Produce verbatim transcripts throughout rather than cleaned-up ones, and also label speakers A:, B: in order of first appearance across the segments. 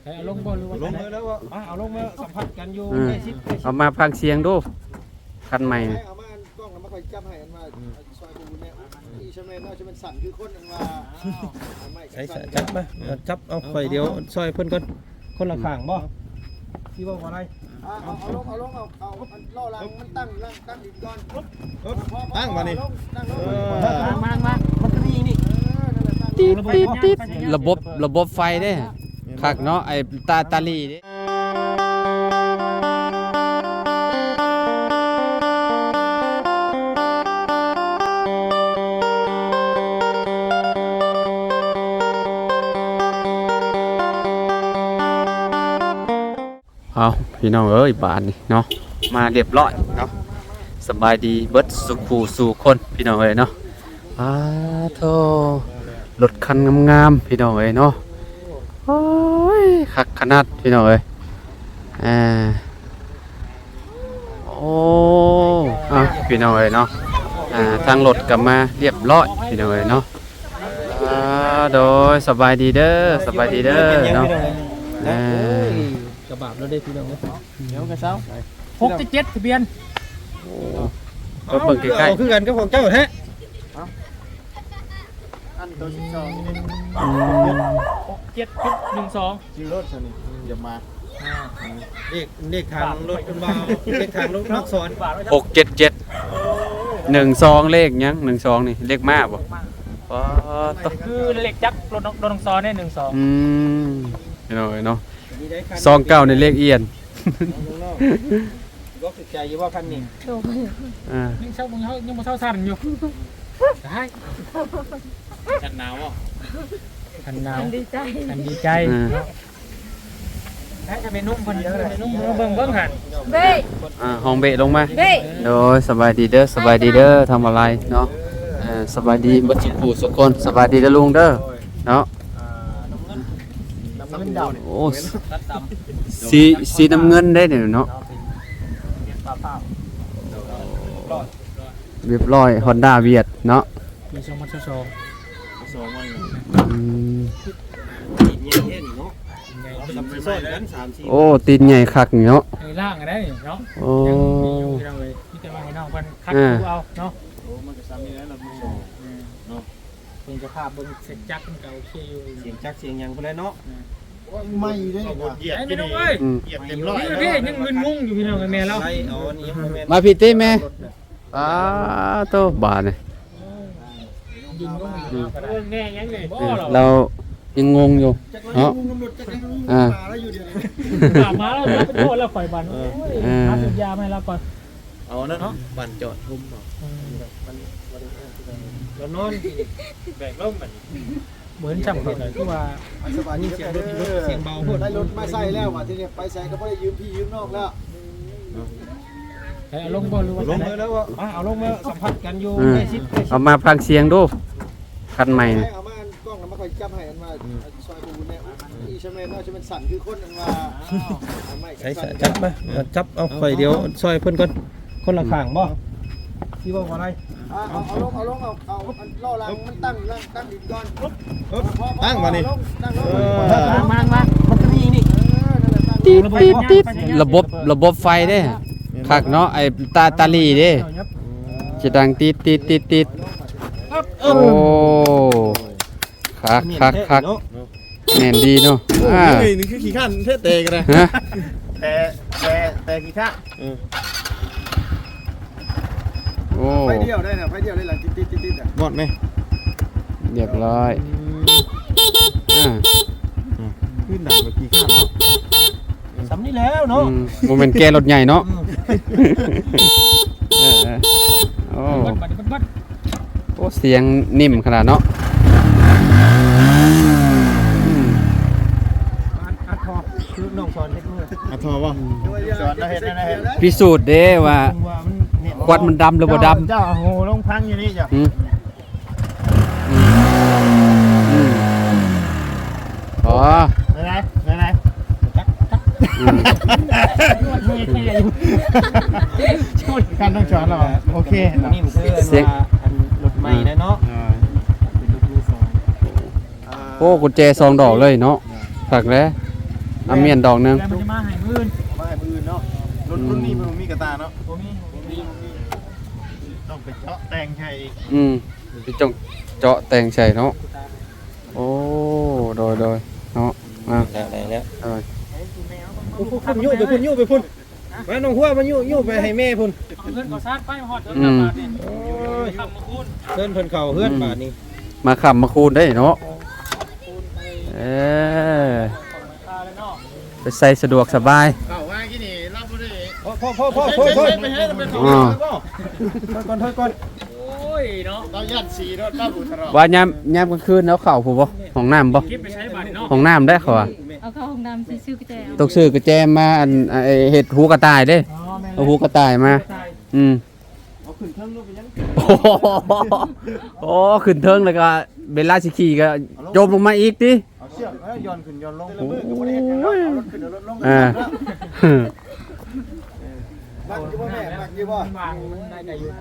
A: เอาลงบ่หรือว่าลงเลยแล้วว่าเอาลงมาสัมผัสกันอยู่ใกล้ชิด
B: เอามาพังเสียงดูคันใหม่
C: เอามากล้องแล้วมาคอยจับให้อันว่าซอยปูเนี่ยอีชแมนว่าจะเป็นสั่นคือคนอันว่า
A: ใช่จับมาจับเอาไฟเดียวซอยเพิ่นก่อนคนละข้างบ่ที่ว่าอะไร
C: เอาเอาลงเอาลงเอาเอาล่อลังมันตั้งตั้งตั้งดินก่อน
A: ตั้งมานี่
C: ตั้ง
A: มามามันก็มีนี่
B: ติดติดติดระบบระบบไฟเด้คักเนาะไอ้ตาตาลีเด้เอาพี่น้องเอ้ยบานนี่เนาะมาเรียบร้อยเนาะสบายดีเบิดสุขูสู่คนพี่น้องเอ้ยเนาะอ้าโธ่รถคันงามๆพี่น้องเอ้ยเนาะโอ้ยคักขนาดพี่น้องเอ้ยอ่าโอ้อ่ะพี่น้องเอ้ยเนาะอ่าทางรถกลับมาเรียบร้อยพี่น้องเอ้ยเนาะอ่าโดยสบายดีเด้อสบายดีเด้อเนาะอ่าก
A: ระบะแล้วได้พี่น้อง
C: เดี๋ยวกระเซ้า
A: หกเจ็ดทะเบียน
B: ก็เบิ่งใกล้
A: ๆคือกันกับของเจ้าแท้
C: อันตัวสิบสอง
A: หกเจ็ดจุดหนึ่งสอง
C: จิรถสนิทอย่ามา
A: เลขเลขทางรถกันบ่าวเลขทางรถนักสอน
B: หกเจ็ดเจ็ดหนึ่งสองเลขยังหนึ่งสองนี่เลขมากบ่อ๋อ
A: คือเลขจักรรถรถนักสอนเนี่ยหนึ่งสอง
B: อืมเนาะเนาะสองเก้าในเลขเอียน
A: ก็ติดใจอยู่ว่าคันนี้
B: อ่า
A: ยังเช่ายังยังมาเช่าสั่นอยู่ได้คันหนาวอ่ะคันหนาว
D: ดีใจ
A: คันดีใจแค่จะเป็นนุ่มคนเดียวเลยนุ่มเบิ่งเบิ่งหัน
D: เบ้
B: อ่าห้องเบะลงมา
D: เบ้
B: โดยสบายดีเด้อสบายดีเด้อทำอะไรเนาะอ่าสบายดีบัดสุขสุขคนสบายดีเด้อลุงเด้อเนาะโอ้สีสีน้ำเงินได้เนี่ยเนาะเรียบร้อยฮอนด้าเวียดเนาะ
A: มีสองพันสองสองวัน
B: โอ้ตีนใหญ่คักเนาะ
A: ไอ้ล่างอะไรเนาะ
B: โอ้
A: ยังเลยที่จะมาให้น้องกันคัดดูเอาเนาะโอ้มันจะซ้ำนี่แล้วเราดูเนาะเป็นจะภาพบนเสียงจักรมันก็โอเคอยู่เสียงจักรเสียงยังพอแล้วเนาะ
C: ไม่ด้วย
A: เหยียบไม่ต้องเลยเหยียบเต็มร้อยนี่ยังมึนงงอยู่พี่น้องแม่เรา
B: มาพี่ตี้แม่อ้าโตบาเนี่ยเรายังงงอยู่เนาะอ่า
A: มาแล้วเราไปโทษแล้วปล่อยบันหาสัญญาให้เราก่อน
C: เอานั่นเนาะบันจอดทุ่ม
A: เรานอนแบกร่มแบบเหมือนจับเหตุที่ว่า
C: สบายดีเสียงรถ
A: เสียงเบาพูด
C: ได้รถมาใส่แล้วว่ะทีนี้ไปใส่ก็ไม่ได้ยืมพี่ยืมนอกแล้ว
A: เอาลงบ่หรือว่าลงเลยแล้วว่าเอาลงมาสัมผัสกันอยู่ใกล้ชิด
B: เอามาพังเสียงดูคันใหม่
C: เอามากล้องแล้วมาคอยจับให้อันว่าซอยปูเนี่ยอีชแมนว่าจะเป็นสั่นคือคนอันว่า
A: ใช่จับมาจับเอาไฟเดียวซอยเพิ่นก่อนคนละข้างบ่ที่ว่าอะไร
C: เอาเอาลงเอาลงเอาเอาล่อลังมันตั้งตั้งดินก่อน
A: ตั้งมานี่
C: มามามันก็มีนี่
B: ติดติดติดระบบระบบไฟเด้คักเนาะไอ้ตาตาลีเด้จะดังติดติดติดติดโอ้คักคักคักแน่นดีเนาะ
C: อ่านี่คือขี้ข้านเทเตกันเลยแต่แต่แต่ขี้ข้า
B: โอ้
C: ไฟเดียวได้นะไฟเดียวได้หลังติดติดติดติดอ่ะ
A: หมดไหม
B: เรียบร้อยอ่า
C: ขึ้นหนักแบบขี้ข้านเนาะ
A: สำนี่แล้วเนาะ
B: โมเมนต์แกรถใหญ่เนาะโอ้โอ้เสียงนิ่มขนาดเนาะ
A: อัดทอคือน้องสอนเฮ็ดมือ
C: อัดทอป่ะสอนเฮ็ดนะเฮ็ด
B: พิสูจน์เด้ว่าควันมันดำหรือบ่ดำ
C: เจ้าโหลงพังอยู่นี่จ้ะ
B: อ๋อ
C: ไหนไหนไหนการต้องสอนเราโอเค
A: นี่มันคือเสียงรถใหม่นะเนาะ
B: โอ้กุญแจซองดอกเลยเนาะฝากแล้วเอาเมียนดอกหนึง
A: แล้วมันจะมาให้มื้ออื่น
C: มาให้มืออื่นเนาะ
D: รุ่นรุ่นนี้มันมีกระตาเนาะ
A: บ่มีบ่มี
D: ต้องไปเจาะแต่งใช่
B: อืมไปจงเจาะแต่งใส่เนาะโอ้โดยโดยเนาะมา
C: ได้แล้ว
B: เออ
C: พุ่นยู่ไปพุ่นยู่ไปพุ่นมาน้องหัวมายู่ยู่ไปให้แม่พุ่น
A: เอาเงินก่อสร้างไปฮอดเงินบาทนี่โอ้ยทำมาคูณ
C: เพิ่นเพิ่นเข้าเฮือนบาดนี้
B: มาขับมาคูณได้เนาะ
A: คูณไป
B: เออ
A: ของราคาแล้วเนาะ
B: ไปใส่สะดวกสบาย
D: เก่าว่ากี่นี่รับบ่ได้
C: พ่อพ่อพ่อพ่อพ่อพ่อ
D: ไปให้เราเป็นของ
B: อ๋อ
C: ถอยก่อนถอยก่อน
A: โอ้ยเนาะ
D: เราย่านสีรถรับอุตรอ
B: ว่ายามยามกลางคืนแล้วเข้าผู้บ่ห้องน้ำบ่
A: เก็บไปใช้บาทนี่เนาะ
B: ห้องน้ำได้เขาอ่ะ
E: เอาเข้าห้องน้ำซื้อกระแจเอา
B: ต้องซื้อกระแจมาอันไอ้เห็ดหูกระต่ายเด้
A: อ๋อแม่น
B: เอาหูกระต่ายมา
A: ใช่
B: อืม
C: เอาขึ้นเทิงลูกไปยัง
B: โอ้โหโอ้ขึ้นเทิงแล้วก็เบลล่าสิขี่ก็จมลงมาอีกติ
D: เอาเชือกเอ้ยย้อนขึ้นย้อนลง
C: แต่ละมือก็บ่ได้เฮ็ดหยังเนาะเอารถขึ้นเอารถลงกัน
B: อ่า
C: มักอยู่บ่แม่มักอยู่บ่
A: วางมันได้ได้อยู่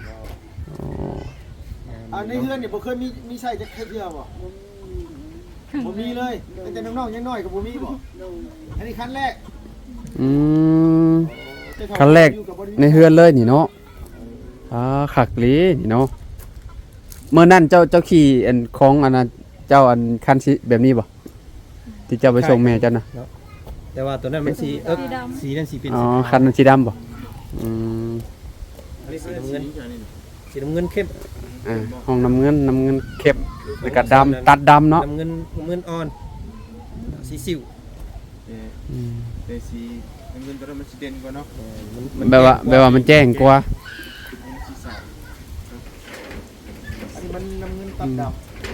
C: อันในเฮือนนี่บ่เคยมีมีใช้จักเทื่อบ่บ่มีเลยตั้งแต่น้องๆยังน้อยก็บ่มีบ่อันนี้คันแรก
B: อืมคันแรกในเฮือนเลยนี่เนาะอ่าขักหลีนี่เนาะเมื่อนั้นเจ้าเจ้าขี่อันของอันนั้นเจ้าอันคันสิแบบนี้บ่ที่เจ้าไปส่งแม่เจ้านะ
C: แต่ว่าตัวนั้นมันสีเอิกสีนั้นสีเป็น
B: อ๋อ
C: สี
B: คันนั้นสีดำบ่อืม
C: อันนี้สีน้ำเงินสีน้ำเงินเข้ม
B: อ่าห้องน้ำเงินน้ำเงินเข้มแล้วก็ดำตัดดำเนาะ
C: น้ำเงินน้ำเงินอ่อนสีสิว
B: อืม
D: แต่สีเงินตัวนั้นมันสิเด่นกว่าเนาะ
B: แบบว่าแบบว่ามันแจ้งกว่า
D: มันสีสาว
C: อันนี้มันน้ำเงินตัดดำ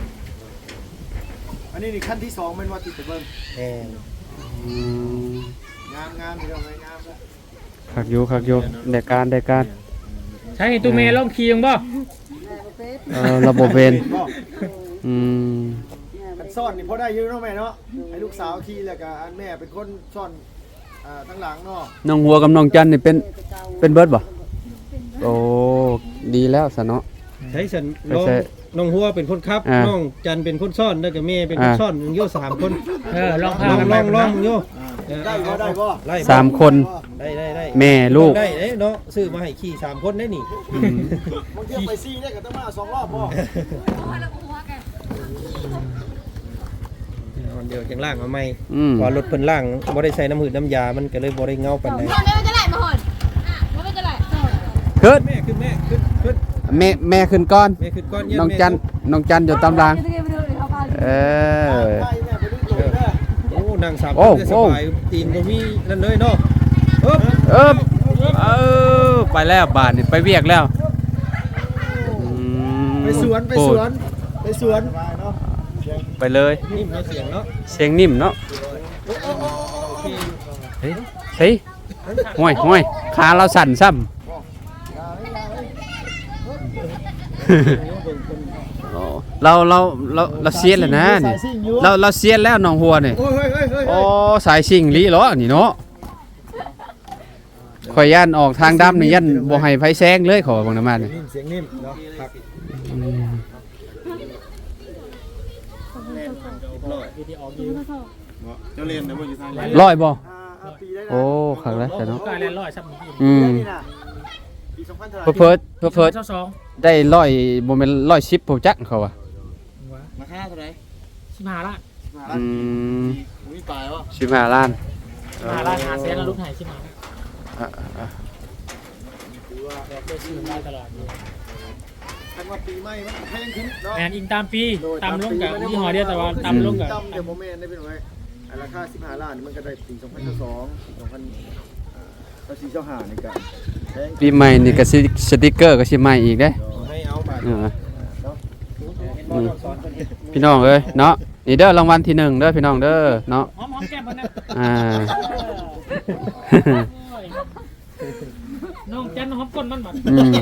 C: อันนี้นี่ขั้นที่สองเป็นว่าติดเบิ้ง
B: อืม
C: งามงามที่เราไงงามแล้ว
B: คักอยู่คักอยู่ได้การได้การ
A: ใช่ตัวเมย์ลองขี่ยังบ่
B: เออระบบเวนอืม
C: กันซ่อนนี่พอได้อยืนน้องแม่เนาะให้ลูกสาวขี่แล้วก็อันแม่เป็นคนซ่อนอ่าทั้งหลังเนาะ
B: น้องหัวกับน้องจันนี่เป็นเป็นเบิร์ดบ่โอ้ดีแล้วซะเนาะ
C: ใช้ฉัน
B: ไป
C: น้อง
B: ใช้
C: น้องหัวเป็นคนขับ
B: อ่า
C: น้องจันเป็นคนซ่อนแล้วก็แม่เป็นคน
B: อ่า
C: ซ่อนมึงโย่สามคน
A: เออลองพา
C: ลอง
A: กัน
C: ล
A: ไป
C: องลองมึงโย่
D: ได้บ่ได้บ่
C: ไล่
B: สามคน
C: ได้ได้ได้
B: แม่ลูก
C: ได้เด้เนาะซื้อมาให้ขี่สามคนได้นี่
B: อืม
C: บางทีไปซี่ได้ก็ต้องมาสองรอบพ่อเดี๋ยวจังล่างมาใหม่
B: อืม
C: พอรถเพิ่นล่างบ่ได้ใส่น้ำหืดน้ำยามันก็เลยบ่ได้เงาปานใด
E: ไม่จะไหลมาหอนอ่ะไม่จะไหล
B: ขึ้น
C: แม่ขึ้นแม่ขึ้นขึ้น
B: แม่แม่ขึ้นก่อน
C: แม่ขึ้นก้อนเย็น
B: น้องจันน้องจันอยู่ตามรางเออ
C: โอ้นางสาม
B: โอ้
C: คนได้สบายตีนบ่มีนั่นเลยเนาะเอิบ
B: เออเออไปแล้วบาทนี่ไปเวียกแล้วอืม
C: ไปสวนไปสวนไปสวนเนาะ
B: ไปเลย
C: นิ่มเนาะเสียงเนาะ
B: เสียงนิ่มเนาะ
C: โอเค
B: เฮ้ยเฮ้ยห่วยห่วยขาเราสั่นซ้ำโอ้เราเราเราเราเสียนแล้วนะนี่เราเราเสียนแล้วน้องหัวนี่
C: โอ้ยเฮ้ยเฮ้ยเฮ้ย
B: โอ้สายชิงลีเหรอนี่เนาะข่อยย่านออกทางดำนี่ยันบ่ให้ไฟแซงเลยขอบังน้ำมันนี่
C: นิ่มเสียงนิ่มเนาะครับ
B: อืม
A: วิดีโอออกอยู่
D: เจ้าเล่นนะบ่อยู่ทางไหน
B: ร้อยบ่
C: อ่าอ่าปีได้นะ
B: โอ้ขังแล้วแต่เนาะ
A: ก็แลนร้อยซับมือ
B: อืม
C: นี่นะปีสองพันเท่าไหร่
B: เพิ่เพิ่เพิ่เพิ่
A: เจ้าสอง
B: ได้ร้อยบ่แม่นร้อยสิบผู้จักเขาว่า
D: ราคาเท่าไหร่
A: สิบห้าล้าน
B: อืม
D: มีปลายวะ
B: สิบห้าล้าน
A: สิบห้าล้านหาเซนแล้วลูกหายสิบห้า
B: อ่ะอ่ะ
C: ถือว่า
A: แบบเพื่อซื้อได้ตลอด
C: คันว่าปีใหม่มันแพงขึ้นเนาะ
A: แมนอิงตามปีตามลงกับยี่ห้อเดียวแต่ว่าตามลงกับ
C: ต่ำเดี๋ยวโมเมนต์ได้เป็นไงอันราคาสิบห้าล้านนี่มันก็ได้ปีสองพันสองสองพันเก้าสี่เจ้าหาในการแพง
B: ปีใหม่นี่ก็สิสติกเกอร์ก็สิใหม่อีกเด้
C: ให้เอาบาท
B: เออ
C: เนาะ
B: อืมพี่น้องเอ้ยเนาะนี่เด้อรางวัลที่หนึ่งเด้อพี่น้องเด้อเนาะ
A: หอมหอมแก้มมันนะ
B: อ่า
A: น้องจันหอมก้นมันหมด
B: อืม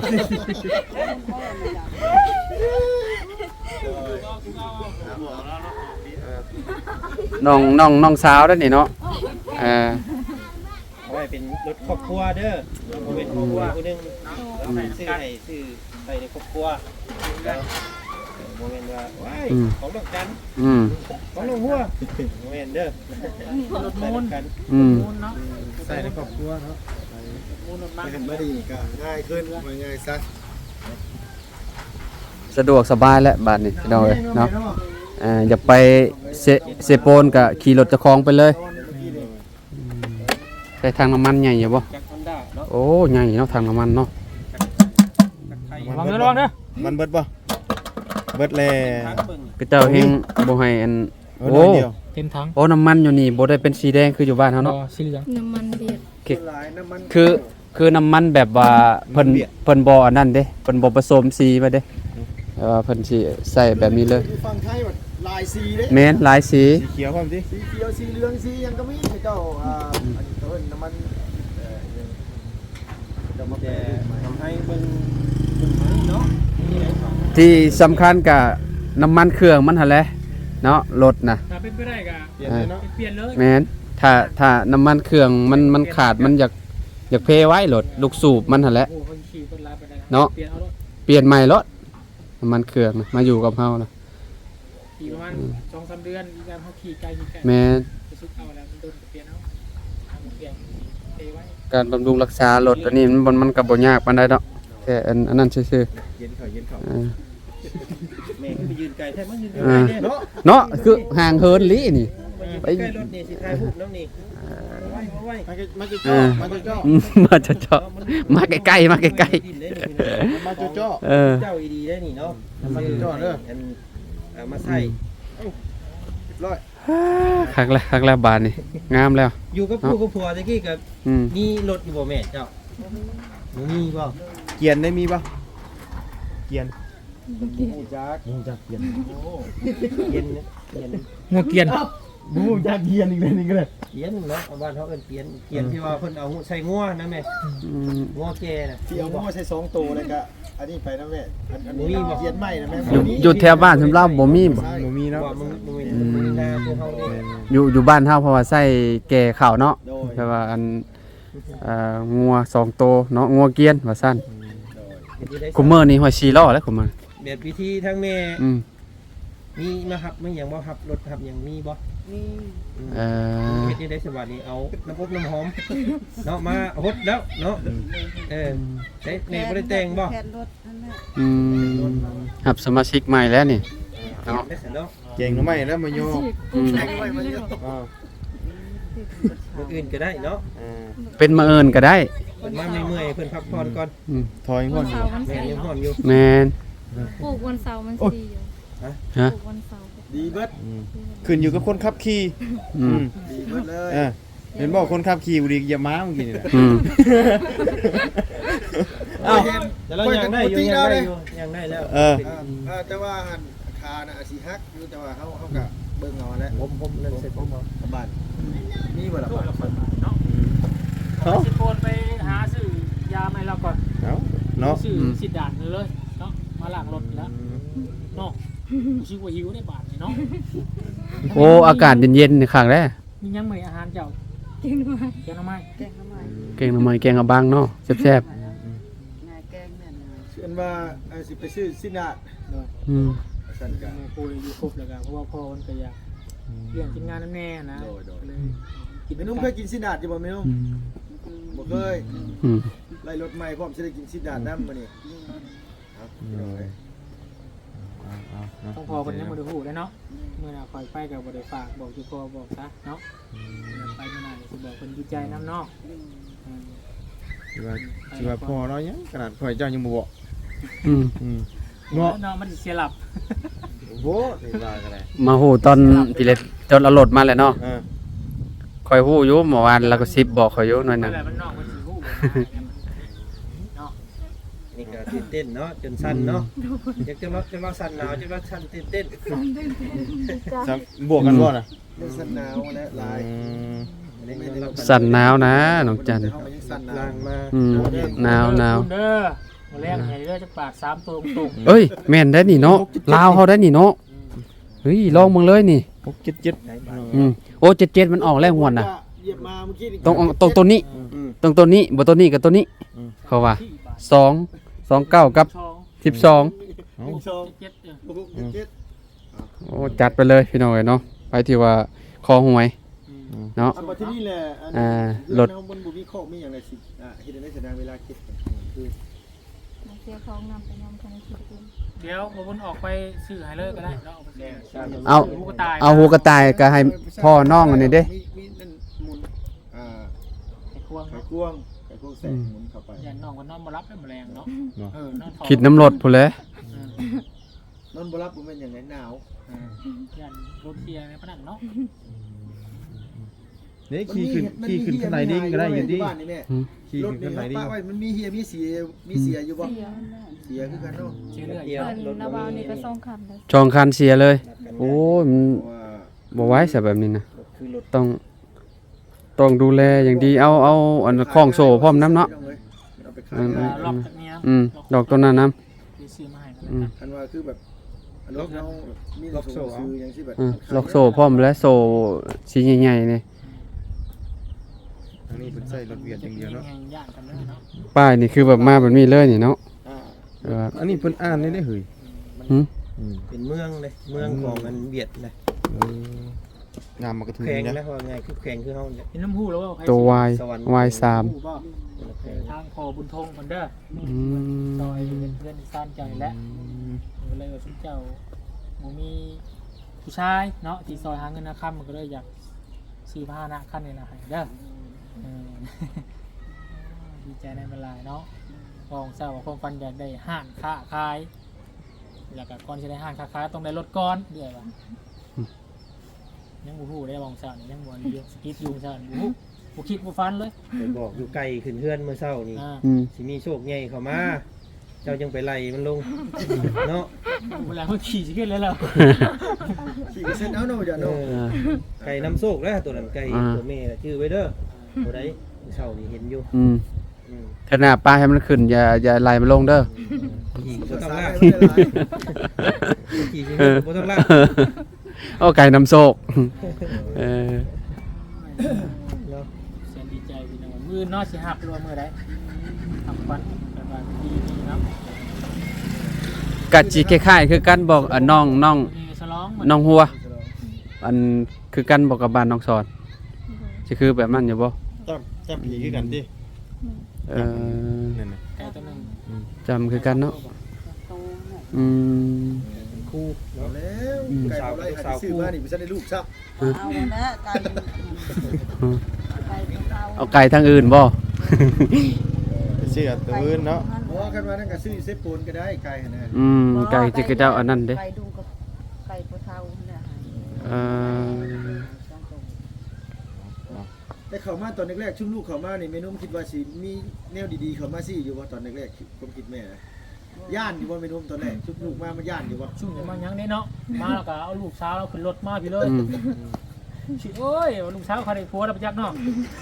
B: น้องน้องน้องสาวเด้อนี่เนาะเออ
C: เอาไว้เป็นรถครอบครัวเด้อเอาเป็นครอบครัวคนหนึงซื้อให้ซื้อไปในครอบครัว
A: บ่แม่นว่าว้าย
B: อืม
A: ของดอกจัน
B: อืม
A: ของดอกหัวบ่แม่นเด้อรถมูลกัน
B: อืม
A: มูลเนาะ
C: ใส่ในครอบครัวเนาะ
A: มูลรถมัน
C: ไม่เห็นบ่ดีก็ง่ายขึ้นว่าง่ายซะ
B: สะดวกสบายแล้วบ้านนี้พี่น้องเอ้ยเนาะอ่าอย่าไปเซเซโปนก็ขี่รถเจะคลองไปเลยใช้ทางน้ำมันใหญ่อยู่บ่
A: จากฮอนด้าเนาะ
B: โอ้ใหญ่เนาะทางน้ำมันเนาะ
A: ระวังเด้อระวังเด้อ
D: มันเบิดบ่เบิดแล
A: ทางเบิ่ง
B: ก็เจ้าเฮงบ่ให้อัน
D: เบิด
B: โอ้
D: เดียว
A: เต็มถัง
B: โอ้น้ำมันอยู่นี่บ่ได้เป็นสีแดงคืออยู่บ้านเฮาเนาะ
A: สีเหลือง
E: น้ำมันเดือด
C: หลายน้ำมัน
B: คือคือน้ำมันแบบว่าเพิ่นเพิ่นบ่อันนั้นเด้เพิ่นบ่ผสมสีมาเด้เออเพิ่นสิใส่แบบนี้เลย
C: อยู่ฝั่งไทยแบบลายสีเด้
B: แม่นหลายสี
D: สีเขียวพร้อมสิ
C: สีเขียวสีเหลืองสีหยังก็มีเจ้าอ่าอันนี้เขาเอิ้นน้ำมันเอ่อจะมาแปล
A: ทำให้เบิ่งเบิ่งไหมเนาะนี่ไอ้ของ
B: ที่สำคัญกับน้ำมันเครื่องมันหั่นแหละเนาะรถน่ะ
A: ถ้าเป็นไปได้ก็
D: เปลี่ยนเลยเนาะ
A: เปลี่ยนเลย
B: แม่นถ้าถ้าน้ำมันเครื่องมันมันขาดมันอยากอยากเพไว้รถลูกสูบมันหั่นแหละ
A: โอ้คนขี่คนร้ายไปได้
B: เนาะ
A: เปลี่ยนเอารถ
B: เปลี่ยนใหม่รถน้ำมันเครื่องน่ะมาอยู่กับเฮานะ
A: ขี่ประมาณสองสามเดือนอีกการเขาขี่ไกลขี่ไกล
B: แม่น
A: ไปซุกเอาแล้วมันโดนเปลี่ยนเอาเอามาเปลี่ยนเทไว้
B: การบำรุงรักษารถอันนี้มันบ่มันก็บ่ยากปานใดดอกแค่อันอันนั้นซื่อ
D: เย็นเขาเย็นเขา
B: ๆอ่า
A: แม่ก็ไปยืนไกลแท้มันยืนไกล
B: อ่า
A: เนี่ยเนาะ
B: เนาะคือห่างเหินลินี่
A: ไปใกล้รถนี่สิถ่ายรูปน้ำนี่ไว้ไว้
C: มาจะมาจะจ่อมาจะจ่อ
B: อืมมาเจาะๆมาใกล้ๆมาใกล้
A: ดินเลยนี่พี่น้อง
C: มาจะจ่อ
B: ๆเออ
A: เจ้าอีดีได้นี่เนาะ
C: มาจะจ่อเด้อ
A: อันเอามาใส่
C: ร้อย
B: คักแล้วคักแล้วบานนี่งามแล้ว
A: อยู่กับผู้กับผัวตะกี้กับ
B: อืม
A: มีรถอยู่บ่แม่เจ้าบ่มีบ่
D: เกียนได้มีป่ะเกียน
C: หูจักหูจักเกียน
A: เย็นนะเย็น
B: งัวเกียน
C: หูจักเกียนอีกเลยนี่ก็เลย
A: เย็นเนาะเอาบ้านเขาเอิ้นเปลี่ยนเปลี่ยนที่ว่าเพิ่นเอาใส่งัวนะแม่
B: อืม
A: งัวแก่น่ะ
C: ที่เอาหม้อใส่สองตัวเลยก็อันนี้ไปนะแม่อันอันนี้เกียนใหม่นะแม่
B: อยู่อยู่แถวบ้านสำหรับบ่มีบ่
D: บ่มีเนาะ
A: ว่ามึงมึงมีมึงมีนาพวกเฮานี่
B: อยู่อยู่บ้านเฮาเพราะว่าใส่แก่ข้าวเนาะ
C: โดย
B: แต่ว่าอันเอ่องัวสองตัวเนาะงัวเกียนว่าซั่นคุมเมอร์นี่ห้อยสี่ล้อแล้วคุมเมอร์
A: แบบวิธีทั้งแม่
B: อืม
A: มีมาหับไม่หยังบ่หับรถหับหยังมีบ่
B: เอ่อ
A: เฮ็ดนี่ได้สวัสดีเอาน้ำอบน้ำหอมเนาะมาฮดแล้วเนาะเออใช้แม่บ่ได้แต่งบ่
E: แผ่นรถนั่นแหละ
B: อืมหับสมาชิกใหม่แล้วนี่เนาะ
A: ได้เสร็จแล้ว
D: เก่งหรือไม่แล้วมาโย
B: อืม
D: อ้าว
A: มื้ออื่นก็ได้เนาะ
D: อ่า
B: เป็นมาเอิญก็ได้
A: เพิ่นมาเมื่อยๆเพิ่นพักผ่อนก่อน
B: อืม
D: ถอยง
E: วั
D: อน
E: น
D: อยู่
E: เสาร์มัน
A: แม่
E: สี
A: ยังห่อนอยู่
B: แมน
E: ปลูกวันเสาร์มันสีอยู่
B: ฮะ
E: ปลูกวันเสาร์
C: ดีเบิด
D: อืมขึ้นอยู่กับคนขับขี่
B: อืม
C: ดีเบิดเลย
D: เออเห็นบอกคนขับขี่บุรีอย่าม้าเมื่อกี้นี่แหละ
B: อืม
A: เอ้าแต่เรายังได้อยู่ยังได้อยู่ยังได้แล้ว
D: เออ
C: อ่าอ่าแต่ว่าหันคาน่ะอาจสิฮักอยู่แต่ว่าเฮาเฮาก็เบิ่งเอาแหล้ว
A: ผมผมนั่นเสร็จผมเอา
C: บ้านมีบ่ล่ะบ้าน
A: เนาะ
D: เอ้า
A: สิโกนไปหาซื้อยาใหม่แล้วก่อน
D: เอ้าเนาะ
A: ซื้อสิด่านเลยเนาะมาล้างรถแล้วเนาะชิว่าหิวได้บาทนี่เนาะ
B: โอ้อากาศเย็นๆนี่ข้างแรก
A: มียังมื้ออาหารเจ้า
E: กินมา
A: แกงหน่อไม้
E: แกงทำไม
B: แกงหน่อไม้แกงอะบังเนาะแซ่บ
E: งายแกงเนี่ยนะ
C: เชื่อว่าอาจสิไปซื้อสินาดเนาะ
B: ๆอืม
C: สั่นก็
A: แม่คุยอยู่ครบแล้วกันเพราะว่าพ่อมันก็อยากเลี้ยงกินงานนั่นแน่นะ
C: โดยโดย
A: เลยกิน
C: แม่นุ่มเคยกินสินาดอยู่บ่แม่นุ่ม
B: อืม
C: บ่เคย
B: อืม
C: ไล่รถใหม่พร้อมสิได้กินสินาดนำมื้อนี้ครับพี่น้องเอ้ย
A: ต้องพอคนนี้มาดูหูได้เนาะเมื่อน่ะคอยไปกับบริฝากบอกจุพอบอกซะเนาะไปเมื่อไหร่จะบอกคนดีใจน้ำเนอก
D: สิว่าสิว่าพ่อเรายังขนาดพ่อเจ้ายังบ่บอก
B: อืม
D: อืม
A: เนาะ
D: เนาะ
A: เนาะมันเสียหลับ
D: โอ้โหนี่ว่ากันเลย
B: มาฮู้ตอนพี่เล็กจนเอารถมาแล้วเนาะ
D: เออ
B: คอยฮู้อยู่เมื่อวานแล้วก็สิบบอกคอยอยู่หน่อยหนึง
A: อะไรมันนอกมันสีหูเนาะนี่ก็ตื่นเต้นเนาะจนสั่นเนาะอยากจะว่าจะว่าสั่นหนาวจะว่าสั่นตื่นเต้น
D: ซับวกกันบ่น่ะ
C: เรื่องสั่นหนาวและลาย
D: อืม
B: สั่นหนาวนะน้องจัน
C: เฮาก็ยังสั่นหนาว
A: ล่างมา
B: อืมหนาวหนาว
A: เด้อมาแรกไงเด้อจะปาดสามตัวตรง
B: เอ้ยแม่นได้นี่เนาะลาวเฮาได้นี่เนาะเฮ้ยลองมึงเลยนี่
D: หกเจ็ดเจ็ด
B: อืมโอ้เจ็ดเจ็ดมันออกแล้วหวนน่ะ
C: เหยียบมาเมื่อกี้นี่
B: ตรงตรงตัวนี้
D: อืม
B: ตรงตัวนี้บ่ตัวนี้กับตัวนี้ เขาว่าสองสองเก้ากับ
A: ช่อง
B: สิบสอง
D: เอา
C: สอง
A: เจ็ดเออ
C: หกเจ็ด
B: โอ้จัดไปเลยพี่น้องเอ้ยเนาะไปที่ว่าคอหวย
A: อืม
B: เนาะ
C: อันบัดที่นี่แหละอัน
B: อ่า
C: เรื
B: ร
C: อ
B: ถ
C: นเฮาบนบ่มีข้อมีหยังไดสิอ่าเฮ็ดได้แสดงเวลาคิดคือ
E: มาเสียของนำไปนำคันคิดดู
A: เดี๋ยวบนออกไปซื้อให้เลยก็ได้เนาะเอาไปซื้อ
B: เอา
A: หูกระต่าย
B: เอาหูกระต่ายก็ให้พ่อน้องอันนี้เด้
C: มีมีนั่นหมุนอ่า
A: ไอ้ควง
C: ไข่
A: เนาะ
C: กวงไข่กวงแสงหมุนเข้าไป
A: ยันน้องก็นอนมารับได้แมลงเนาะเออนอนถอ
B: คิดน้ำรถพุ่นแหละ
A: เออน
C: อนบ่รับบ่แม่นหยังไงหนาว
A: เออยันรถเทียร์ในพนันเนาะ
D: นี่ขี่ขึ้นขี่ขึ้นข้างในนี่ก็ได้อยู่ดิ
C: บ้านนี่แม่
B: อืม
D: ขี่
C: รถ
D: ขึ้น
C: นี่
D: ข้างใน
C: เขา
D: นี่
C: ป้าไว้มันมีเฮียมีเสียมีเสียอยู่บ่
E: เสียมันน่ะ
C: เสียคือกันเนาะ
A: เชื่อเรื่อย
E: เพิ่นนาวานี่ก็ส่งคันเลย
B: จองคันเสียเลย โอ้ยมัน
C: เพราะว่า
B: บ่ไหว้ซะแบบนี้นะ
C: คือรถ
B: ต้องต้องดูแลอย่างดีเอาเอาอันคล้องโซ่พร้อมน้ำเนาะ
C: เอาไปขาย
B: อืม
A: ๆ
C: ได้
A: ล็อกจากนี้
B: อืมดอกต้นนั้นน้
A: ที่ซื้อมาให้กัน
B: อืม
C: คันว่าคือแบบรถเฮามีรถโซ่ซื้อหยังสิแบบ
B: ำอืมล็อกโซ่พร้อมและโซ่สีใหญ่ๆนี่
D: ทางนี้เพิ่นใส่รถเวียดอย่างเดียวเนาะ
A: ย่านกันเลยเนาะ
B: ป้ายนี่คือแบบมาแบบนี้เลยนี่เนาะ
C: อ่า
B: เออ
D: อันนี้เพิ่นอ่านได้ได้เฮ้ย
B: หึ
D: อืม
F: เป็นเมืองเลยเมืองของมันเวียดเลย
D: เอองามมากระทือ
F: แข่ง
D: นะ
F: นะว่าไงคือแข่งคือเฮาเนี่ย
A: เป็นน้ำหูแล้วว่าใคร
B: ตัว Y
F: สวรรค์
B: Y สาม
A: หูบ่ทางพอบุญทงคนเด้อ
B: อืม
A: ซอยเป็นเพื่อนที่ซ่านใจและก็เลยว่าชุดเจ้าหมูมีผู้ชายเนาะที่ซอยหาเงินนะค่ำมันก็เลยอยากซื้อผ้าหน้าขั้นนี่ละให้เด้อเออ ดีใจในเวลาเนาะกองเศร้าว่าความฝันอยากได้ห้างค้าขายแล้วก็ก่อนจะได้ห้างค้าขายต้องได้รถก่อนเดี๋ยวว่ายังบูฮู้ได้บองเศร้านี่ยังบวนเยอะสกิดยุงเศร้านี่บูฮู้บูคิดบูฟันเลย
F: ไปบอกอยู่ไกลขึ้นเฮือนเมื่อเช้านี่
A: อ่า
B: อืม
F: สิมีโชคใหญ่เข้ามา เจ้ายังไปไล่มันลง เนาะ
A: เวลาเขาขี่สิขึ้นเลยแล้ว
C: ขี่เส้นเอาเนาะจ้ะ
F: เอ
C: เนาะ
F: อไก่น้ำโชคแล้วตัวนั้นไก่ตัวแม่น่ะชื่อไว้เด้อตัวใดเมื่อเช้านี่เห็นอยู่
B: อืม
F: อืม
B: ขนาดป้ายให้มันขึ้นอย่าอย่าไล่มันลงเด้อ
F: ขี่
C: ภา
F: บ่ต้อง
C: ษา
F: ลาก
C: ไม่ได้หลาย
F: ขี่สิบ่ต้องลาก
B: เอาไก่น้ำโซกเออ
F: เนาะ
A: เสียดีใจพี่น้องมือนอสิหักรวมมือได้ทำฟันแบบว่าดีดีเนาะ
B: กัดจีคล้ายๆคือกันบอกอ่ะน้องน้อง
A: มีฉลอง
B: น้องหัว อันคือกันบอกกับบ้านน้องสอนจะคือแบบนั้นอยู่บ่
D: จับจับผีคือกันดิ
B: เออ
D: นั่นน่ะ
A: ไก่ตัวหนึ่ง
B: จำคือกันเนาะ
E: โตน่ะ
B: อืม
F: คู่
C: เอา
F: เนาะ
C: แล้วไก่เอาไรหัดซื้อมานี่บ่ทันได้ลูกซับ
E: เอาละไก่ไก่ของเรา
B: เอาไก่ทางอื่นบ่
D: ไปเชื่อตัวอื่นเนาะ
C: เพราะว่ากันว่านั่นก็ซื้อเซฟปูนก็ได้ไก่หั่นน่ะ
B: อืมไก่จะกระเจ้าอันนั้นเด้
E: ไก่ดุกับไก่ปลาเทาเนี่ย
B: เออ
C: แต่เข้ามาตอนแรกๆชุมลูกเข้ามานี่แม่นุ่มคิดว่าสิมีแนวดีๆเข้ามาสิอยู่บ่ตอนแรกๆผมคิดแม่นะย่านอยู่บ่แม่นุ่มตอนแรกชุมลูกมามันย่านอยู่บ่
A: ชุ่มเดี๋ยวมายังได้เนาะมาแล้วก็เอาลูกสาวเราขึ้นรถมาพี่เลย
B: อืม
A: ชิโอ้ยลูกสาวเขาได้ผัวแล้วไปจักเนาะ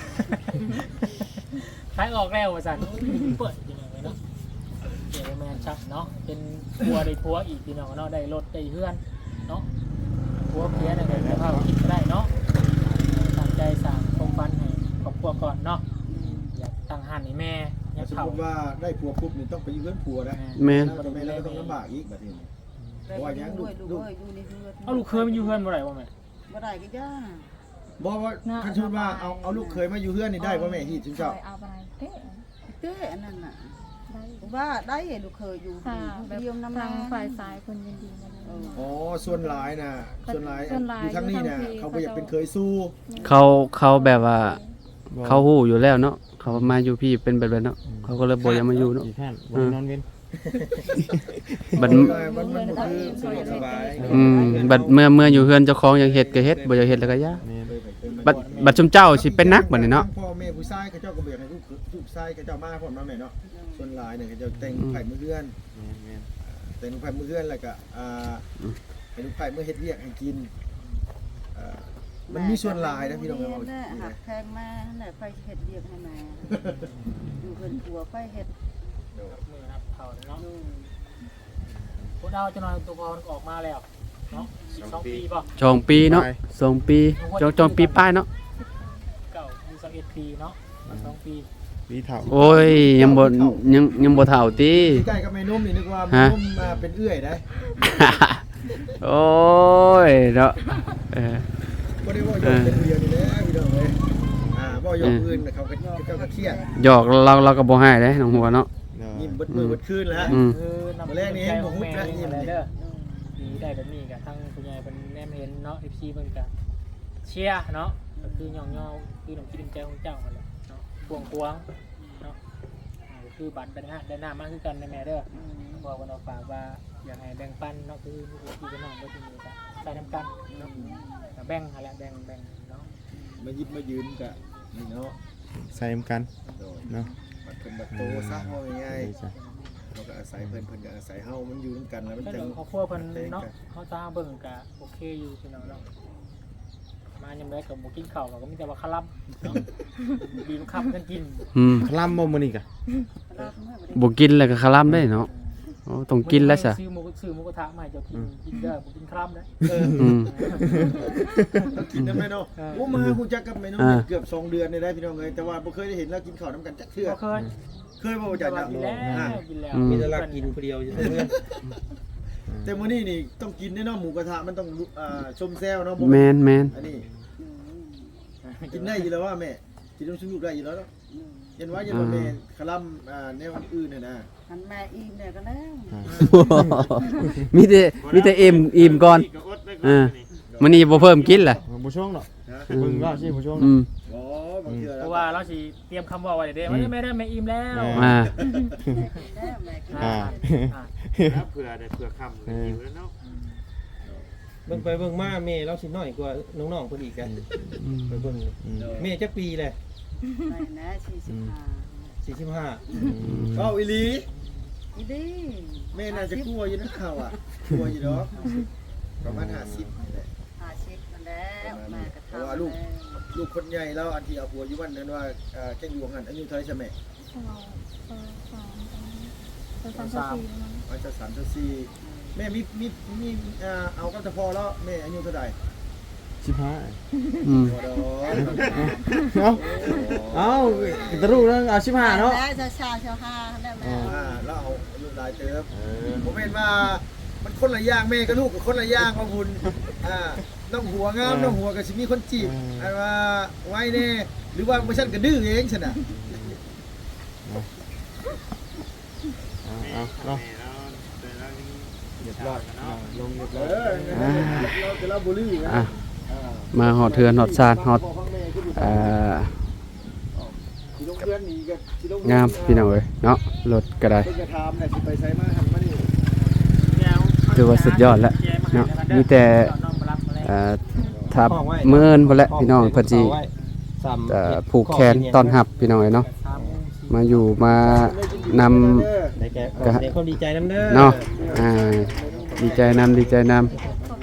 A: ขายออกแล้วว่าสันเปิดยังไงไว้เนาะเดี๋ยวแมนชักเนาะเป็นผัวได้ผัวอีกพี่น้องเนาะได้รถได้เฮือนเนาะผัวเพี้ยนอะไรได้ภาพคิดก็ได้เนาะตั้งใจสั่งคงฟันให้ครอบครัวก่อนเนาะอยากตั้งหันให้แม่อยาก
C: สม
A: เข่าม
C: ติว่าได้ผัวปุ๊บนี่ต้องไปอยู่เพื่อนผัวนะ
B: แม่น
C: แล้วแม่แล้วก็ต้องลำบากอีกแบบนี้
E: เพราะว่ายังลูกลูกอยู่ในเฮือน
A: เอาลูกเคยมันอยู่เฮือนบ่ได้บ่แม่
E: บ่ได้ก็ย่า
C: บอกว่าคันชุดว่าเอาเอาลูกเคยมาอยู่เพื่อนนี่ได้ป่ะแม่ฮีดชุนเจ้า
G: เอาไปเต้
E: เต้อันนั้นน่ะ
G: ได้
E: ว่าได้ลูกเคยอยู่
G: ค่ะแบบ
E: เดียวน้ำ
G: ทาง
E: น้ำ
G: ฝ่ายซ้ายคนยินดีมาแล้ว
C: อ๋อส่วนหลายนะส่วนหลาย
G: ส่วนหลาย
C: อยู่ทั้งนี้เนี่ยเขาไปอยากเป็นเคยสู้
B: เขาเขาแบบว่า เขาฮู้อยู่แล้วเนาะเขามาอยู่พี่เป็นแบบนั้นเนาะเขาก็เลยบ่อยากมาอยู่เนาะ
D: อีกท่านบ่ได้นอนเว้น
B: บัด
C: มันมันมันคือ
F: สะดวกสบาย
B: อืมบัดเมื่อเมื่ออยู่เฮือนเจ้าของอยากเฮ็ดก็เฮ็ดบ่อยากเฮ็ดแล้วก็ย่า
D: แม่น
B: บัดบัดชุมเจ้าสิเป็นนักบัดนี้เนาะ
C: พ่อแม่ผู้ชายเขาเจ้าก็เบียกให้ลูกลูกชายเขาเจ้ามาพร้อมเนาะแม่เนาะส่วนหลายเนี่ยเขาเจ้าแต่งไผ่มือเพื่อน
D: แม่น
C: แต่งไผ่มือเพื่อนแล้วก็อ่าให้ลูกไผ่เมื่อเฮ็ดเวียกให้กินอ่ามันมีส่วนหลายนะพี่น้อง
E: เ
C: เอา
E: นี่ยหักแพงมาไหนไฟเห็ดเรียกให้มาอยู่เพิ่นกลัวไฟเห็ด
A: มือครับเขาเนาะ
E: ดู
A: พวกเราจะนอนตัวพรออกมาแล้วเนาะสองปีป่ะ
B: จองปีเนาะสองปีจองจองปีป้ายเนาะ
A: เก่ามีสิบเอ็ดปีเนาะมาสองปี
D: วีเฒ่า
B: โอ้ยยังบ่ยังยังบ่เฒ่าติ
C: ใกล้กับแม่นุ่มนี่นึกว่าแม่นุ่มมาเป็นเอื้อยได้
B: โอ้ยเนาะเออ
C: บ่ได้ว่าโยกเป็นเดียวนี่แหละพี่น้องเอ้ยอ่าบ่โยกอื่นเขาก็เขาก็เครียด
B: หยอกเราเราก็บ่ให้เด้น้องหัวเนาะ
C: ยิ้มเบิดมือเบิดคืนแล้ว
B: อืม
A: คือนำ
C: มื้อแรกนี่เห็นบ่ฮุบ
A: แม่
C: นะยิ้ม
A: อะไร
C: นี่
A: เด้อมีได้แบบนี้กับทั้งคุณยายเป็นแนมเห็นเนาะ เอฟ ซี เพิ่นก็เชียร์เนาะก็คือย่องๆคือน้ำจิตน้ำใจของเจ้านั่นแหละเนาะพวงพวงเนาะอ่าก็คือบัตรได้นะได้หน้ามากคือกันในแม่เด้อบอกกันเอาฝากว่าอยากให้แบ่งปันเนาะคือพี่กับน้องบ่ที่มีก็ใส่น้ำกันเนาะก็แบ่งหั่นแหละแบ่งแบ่งเนาะ
C: มายิบมายืนก็นี่เนาะ
D: ใส่เหมือนกัน
C: โดย
D: เนาะ
C: บัดเพิ่นบัดโตซะว่าง่าย
D: ดีจ้ะ
C: ๆเราก็อาศัยเพิ่นเพิ่นก็อาศัยเฮามันอยู่นำกันแล้วมัน
A: ก็
C: จั
A: เดี๋
C: ง
A: ยวเขาครัวเพิ่นเนาะเขาตาเบิ่งก็โอเคอยู่พี่น้องเนาะมายามใดก็บ่กินข้าวก็มีแต่ว่าคลับเนาะบีมคับกันกิน
B: อืม
D: คลำบ่มื้อนี้กะ
B: บ่กินแล้วก็คลำได้เนาะโอ้ต้องกินแล้วซะ
A: ซื้อหมูซื้อหมูกระทะมาให้เจ้ากินกินเด้อบ่กินคลับนะ
C: เออ
B: อืม
C: ต้องกินนำแม่เนาะ
A: เออ
C: โอ้มาฮู้จักกับแม่นุ่ม
B: อ่า
C: เกือบสองเดือนได้ได้พี่น้องเอ้ยแต่ว่าบ่เคยได้เห็นแล้วกินข้าวนํกันจักเทื่อ
A: บ่เคย
C: เคยบ่จัก
A: แต่ว่า
C: นะ
A: กินแล้ว
C: อ่า
A: กินแล้ว
B: อืม
F: มีแต่รักกินผู้เดียวอยู่เพื่อน
C: แต่มื้อนี้นี่ต้องกินแน่เนาะหมูกระทะมันต้องอ่าชมแซวเนาะบ่
B: แม่นแม่น
C: อันนี้กินได้อยู่แล้วว่าแม่กินน้ำซุปได้อยู่แล้วเนาะเห็นว่าอย่าบ่แม่คลำอ่าแนวอื่นน่ะนะ
E: หันมาอิ่มเนี่ยก็แล้ว
B: มีแต่มีแต่อิ่มอิ่มก่อนเออมื้อนี้บ่เพิ่มกินล่ะ
D: บ่ช่วงเนาะ
C: ฮะ
D: เบิ่งว่าสิบ่ช่วง
B: อื
D: เนาะ
B: ม
C: อ๋อบางเทื่อ
A: เพ
C: แล้ว
A: ราะว่าเราสิเตรียมคำเว่าไว้เด้ว่าไม่ได้แม่อิ่มแล้ว
B: อ่า
E: แล้วแม่ก็
D: อ่า
A: อ่า
H: เผื่อได้เผื่อคำเลยอยู่แล้วเนาะ
F: เบิ่งไปเบิ่งมาแม่เราสิน้อยกว่าน้องๆเพิ่นอีกกันไปเบิ่งแม่จักปีแหละ
E: ไปนะสี่สิบห้า
F: สี่สิบห้า
C: เอ้าอีหลี
E: อีดี
C: แม่น่าจะกลัวอยู่นะข่าวอ่ะกลัวอยู่ดอกประมาณห้าสิบนี่แหละ
E: ห้าสิบมันแล้วแม่ก็ทำ
C: เพราะว่าลูก ลูกคนใหญ่แล้วอันที่เอาผัวอยู่วันนั้นว่าเอ่อแกงอยู่หันอายุเท่าไหร่ใช่ไหม
G: สองสองสามสองสามสี่มั้ง
C: อายุจะสามจะสี่แม่มีมีมีเอ่อเอากับตะพอแล้วแม่อายุเท่าไหร่
D: สิบห้า
B: อืม
C: พอดอก
D: เอ้าเอ้าตะรุแล้วเอาสิบห้าเนาะ
E: แล้วจะชาชาห้าแล้วแม่
C: อ่าแล้วเอาอายุหลายเติบผมเห็นว่ามันคนละอย่างแม่กับลูกกับคนละอย่างว่าบุญอ่าน้องหัวงามน้องหัวก็สิมีคนจีบอันว่าไว้แน่หรือว่าบ่ซั่นก็ดื้อเองซั่นน่ะ
D: เอาเอาเนาะ
H: เรียบร้อยเนาะ
D: ลงเรียบ
C: เอ
D: ร้อย
C: อเราจะเล่าบ่ลือนะ
B: อ่ะมาฮอดเทือนฮอดซานฮอดเอ่อ
C: สิลงเพื่อนนี่ก็สิลง
B: งามพี่น้องเอ้ยเนาะรถก็ได้
C: เพิ่นก็ถามแหละสิไปไสมาหันมานี่
B: ถือว่าสุดยอดแล้วเนาะมีแต่เอ่อทับเมื่อนพุ่นแหละพี่น้องเพิ่นสิเอ่อผูกแขนต้อนรับพี่น้องเอ้ยเนาะมาอยู่มานำ
F: ได้แก่ขอแสดงความดีใจนำเด้อ
B: เนาะอ่าดีใจนำดีใจนำ
G: ขอบใจ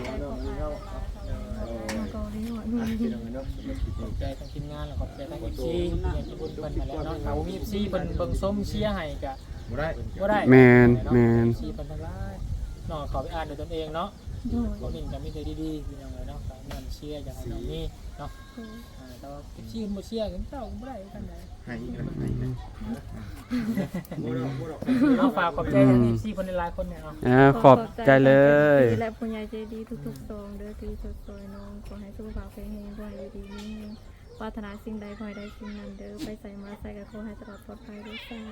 G: ของอายแล้วก็เกาหลีหัวดูดี
A: ขอบใจทางทีมงานแล้วขอบใจทาง เอฟ ซี อย่างที่บุญเพิ่นมาแล้วเนาะถ้าบ่มี เอฟ ซี เพิ่นเบิ่งส้มเชียร์ให้ก็
D: บ่ได้
A: บ่ได้
B: แมนแมน
A: เอฟ ซี เพิ่นทั้งหลายน้องขอไปอ่านด้วยตนเองเนาะ
G: โดย
A: บ่มีก็มีแต่ดีๆพี่น้องเอ้ยเนาะก็เงินเชียร์อยากให้น้องมีเนาะ
G: โดย
A: อ่าแต่ว่า เอฟ ซี เพิ่นบ่เชียร์กันเจ้าก็บ่ได้กันได
D: ให้อีกแล้วให้อีกแล้ว
C: บ่ดอกบ่ดอก
A: เอาฝากขอบใจทาง เอฟ ซี เพิ่นหลายๆคนเนี่ยเนาะ
B: อ่าขอบใจเลย
G: และผู้ใหญ่ใจดีทุกๆซองเด้อที่ช่วยๆน้องขอให้สุขภาพแข็งแรงด้วยดีๆมีปรารถนาสิ่งใดขอให้ได้สิ่งนั้นเด้อไปใส่มาใส่กับขอให้ตลอดปลอดภัยด้วยจ้า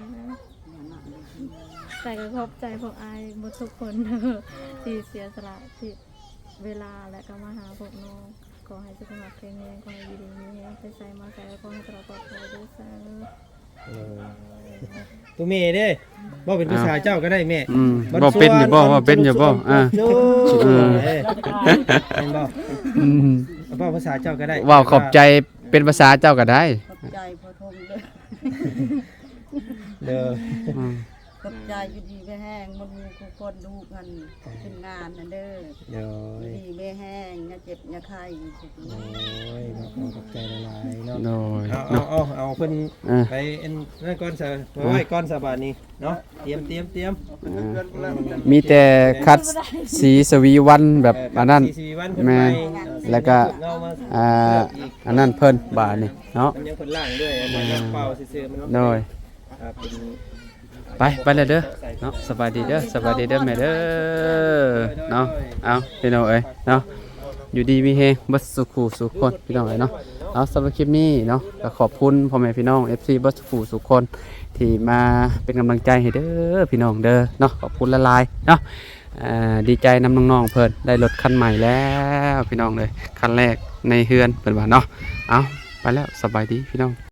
G: ใส่กับขอบใจพวกอายหมดทุกคนเด้อที่เสียสละที่เวลาและก็มาหาพวกน้องขอให้สุขภาพแข็งแรงขอให้ดีๆมีแรงไปใส่มาใส่กับขอให้ตลอดปลอดภัยด้วยจ้า
F: ตัวแม่เด้บ่เป็นผู้ชายเจ้าก็ได้แม่
B: อืมบ่เป็นอยู่บ่ว่าเป็นอยู่บ่อ่า
F: โอ้
B: เออ
F: เอ้ยเห็นบ่
B: อืม
F: เอาบ่ภาษาเจ้าก็ได้
B: เว้าขอบใจเป็นภาษาเจ้าก็ได้
E: ขอบใจพอทงเลย
F: เด้อ
B: อืม
E: ขอบใจอยู่ดีแม่แห้งมันมีทุกคนดูกันขึ้นงานนั่นเด้อ
F: เดี๋ยว
E: อยู่ดีแม่แห้งอย่าเจ็บอย่าไข้สุด
F: โอ้ยมาขอขอบใจหลายๆเนาะ
B: โดย
F: เอาเอา
B: เนาะ
F: เอาเอาเพิ่น
B: เออ
F: ไปเอ็นนั่นก้อนซะไว้ก้อนสะบาดนี้เนาะเตรียมเตรียมเตรียม
B: มีแต่คัดสีสวีวันแบบอันนั้น
F: สี่สี่วันเพิ่น
B: แม่
F: ไป
B: แล้วก็
F: เงามา
B: อ่าอันนั้นเพิ่นบาทนี่เนาะ
F: มันยังเพิ่นล่างด้วยอันนั้นเป่าซื่อๆมัน
B: โดย
F: อ่าเป็น
B: ไปไปเลยเด้อเนาะสบายดีเด้อสบายดีเด้อแม่เด้อเนาะเอาพี่น้องเอ้ยเนาะอยู่ดีมีเฮงบัสสุขูสุขคนพี่น้องเอ้ยเนาะเอาสำหรับคลิปนี้เนาะก็ขอบคุณพ่อแม่พี่น้อง เอฟ ซี บัสสุขูสุขคนที่มาเป็นกำลังใจให้เด้อพี่น้องเด้อเนาะขอบคุณละลายเนาะอ่าดีใจนำน้องๆเพิ่นได้รถคันใหม่แล้วพี่น้องเลยคันแรกในเฮือนเพิ่นว่าเนาะเอาไปแล้วสบายดีพี่น้อง